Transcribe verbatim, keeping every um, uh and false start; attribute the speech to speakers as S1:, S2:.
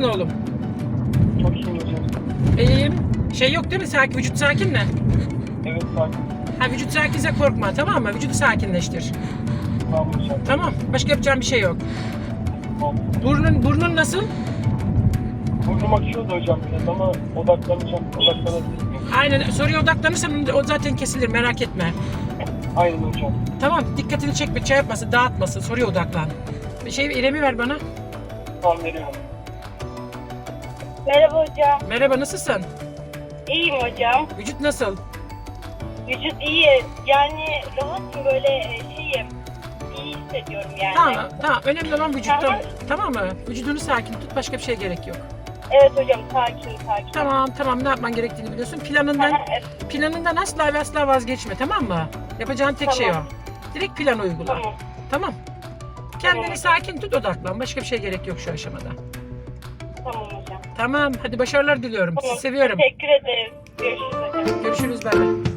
S1: Nasılsın oğlum?
S2: Çok iyi hocam.
S1: İyiyim. Şey yok değil mi? Sakin, vücut sakin mi?
S2: Evet sakin.
S1: Ha, vücut sakinse korkma, tamam mı? Vücudu sakinleştir.
S2: Tamam hocam.
S1: Tamam. Başka yapacağım bir şey yok.
S2: Tamam.
S1: Burnun burnun nasıl?
S2: Burnum akıyordu hocam biraz ama odaklanacağım. Odaklanabilirim.
S1: Aynen. Soruya odaklanırsan o zaten kesilir. Merak etme.
S2: Aynen hocam.
S1: Tamam. Dikkatini çekme, şey yapmasın, dağıtmasın. Soruya odaklan. Bir şey İrem'i ver bana.
S2: Tamam veriyorum.
S3: Merhaba hocam.
S1: Merhaba, nasılsın?
S3: İyiyim hocam.
S1: Vücut nasıl?
S3: Vücut iyi. Yani rahatım böyle e, şeyim. İyi hissediyorum yani.
S1: Tamam, tamam. Önemli olan vücuttan.
S3: Tamam.
S1: Tamam mı? Vücudunu sakin tut. Başka bir şeye gerek yok.
S3: Evet hocam sakin sakin.
S1: Tamam, tamam. Ne yapman gerektiğini biliyorsun. Planından
S3: Aha, evet,
S1: planından asla ve asla vazgeçme, tamam mı? Yapacağın tek şey o.
S3: Tamam.
S1: Direkt plan uygula.
S3: Tamam.
S1: Tamam. Kendini
S3: Tamam.
S1: sakin tut, odaklan. Başka bir şey gerek yok şu aşamada.
S3: Tamam hocam.
S1: Tamam. Hadi başarılar diliyorum.
S3: Tamam.
S1: Sizi seviyorum.
S3: Teşekkür ederim. Görüşürüz hocam.
S1: Görüşürüz. Bay bay.